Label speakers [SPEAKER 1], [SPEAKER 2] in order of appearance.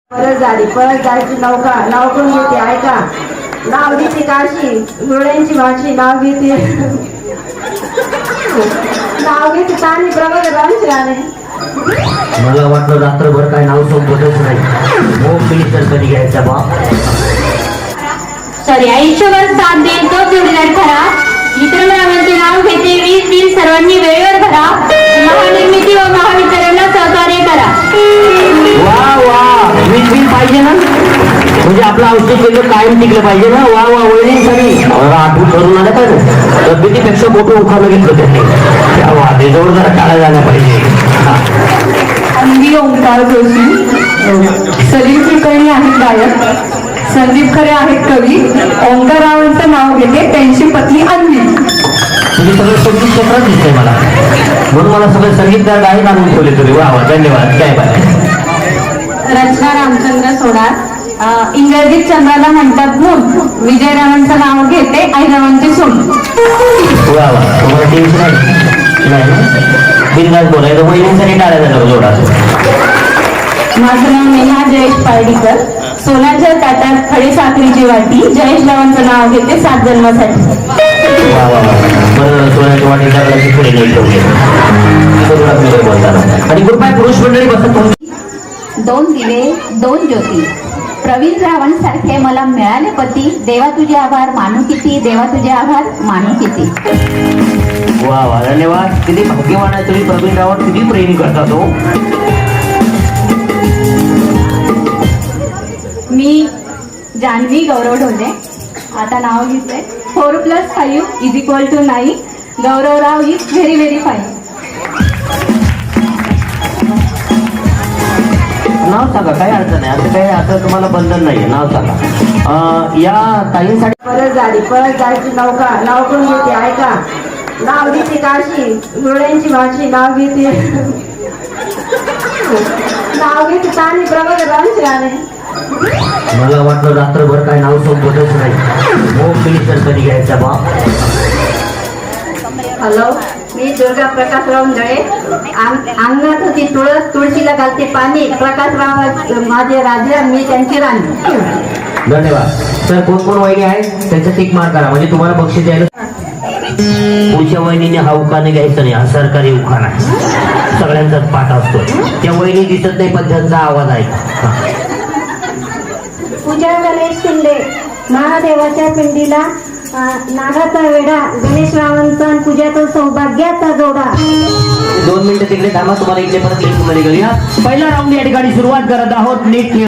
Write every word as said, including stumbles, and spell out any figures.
[SPEAKER 1] परत झाली परत जायची नौका नाव कोण घेते ऐका नाव घेते काशी डोळ्यांची भाषी नाव घेते नाव घेते तानी प्रबळ राणे.
[SPEAKER 2] मला वाटलं रात्रभर काय नाव सोबतच नाही हो प्लीज तर कधी घ्यायचा बा.
[SPEAKER 3] सॉरी आयुष्यभर साथ देईल तो जोडीदार खरा. मित्रमंडळाचे नाव घेते वीस बिल सर्वांनी वेळेवर भरा. महानिर्मिती व महावितरणला सहकार्य करा.
[SPEAKER 2] वा वा वीज बिल पाहिजे ना म्हणजे आपलं औषध केलं कायम टिकलं पाहिजे ना. वा वा वळली सगळी आठवण करून आलं पाहिजे तब्येतीपेक्षा मोठं उखाणं घेतलं त्यांनी. त्या वादेजवळ जरा टाळा झाला पाहिजे.
[SPEAKER 4] अंगी ओंकार जोशी, सलीम कुलकर्णी आहेत गायक, संदीप खरे आहेत कवी, ओंकाररावांचं नाव घेते त्यांची पत्नी अन्वी.
[SPEAKER 2] तुम्ही सगळं संगीत क्षेत्रात दिसतंय मला म्हणून मला सगळे संगीतकार गायक आणून ठेवले तुम्ही. वा वा धन्यवाद. काय बाय.
[SPEAKER 3] रचना रामचंद्र सोडार. इंग्रजीत चंद्राला म्हणतात मून. विजयरावांचं नाव घेते आईरावांची सून.
[SPEAKER 2] वा वा तुम्हाला टेन्शन आहे नाही ना बिनधास्त बोलायचं वहिनींसाठी टाळ्या झालं जोडा.
[SPEAKER 3] माझं नाव नेहा जयेश पारडीकर. सोन्याच्या ताटात खडी साखरेची वाटी. जयेश रावांचं नाव घेते सात जन्मासाठी.
[SPEAKER 2] वा वा वा बरं सोन्याच्या वाटी टाकल्याची पुढे नाही ठेवले बोलताना. आणि गुड बाय पुरुष मंडळी बसत.
[SPEAKER 5] दोन दिवे दोन ज्योती प्रवीण रावांसारखे मला मिळाले पती. देवा तुझे आभार मानू किती. देवा तुझे आभार मानू किती.
[SPEAKER 2] वा वा धन्यवाद. किती भाग्यवान आहे तुम्ही. प्रवीण रावांवर किती प्रेम करता तो.
[SPEAKER 3] मी जान्हवी गौरव ढोले. आता नाव घेतलंय four plus five is equal to nine. Gauravrao is very very fine.
[SPEAKER 2] नाव सांगा काही अडचण नाही. असं काही असं तुम्हाला बंधन नाहीये. नाव सांगा. अं, या ताईंसाठी
[SPEAKER 1] परत झाली परत जायची नौका नाव कोण घेते ऐका नाव घेते काशी डोळ्यांची भाषी नाव घेते नाव घेते तानी प्रबळ राणे.
[SPEAKER 2] मला वाटलं रात्रभर काय नाव सोबतच नाही हो प्लीज तर कधी घ्यायचा बा.
[SPEAKER 1] हॅलो मी दुर्गा प्रकाशराव दळे. अंगणात होती तुळस तुळशीला घालते पाणी. प्रकाशराव माझे राजा मी त्यांची राणी.
[SPEAKER 2] धन्यवाद. सर कोण कोण वहिनी आहे त्यांचं टिक मार करा म्हणजे तुम्हाला बक्षीस द्यायला. पुढच्या वहिनीने हा उखाणे घ्यायचा नाही. हा सरकारी उखाणा आहे सगळ्यांचाच पाठ असतो. त्या वहिनी दिसत नाही पण त्यांचा आवाज आहे.
[SPEAKER 1] पूजा गणेश शिंदे महादेवाच्या पिंडीला नागाचा वेडा. गणेश रावांचा पूजाचा सौभाग्याचा जोडा.
[SPEAKER 2] दोन मिनिटं तिकडे थांबा तुम्हाला इकडे परत लिंक मध्ये करूया. पहिला राऊंड या ठिकाणी सुरुवात करत आहोत. नीट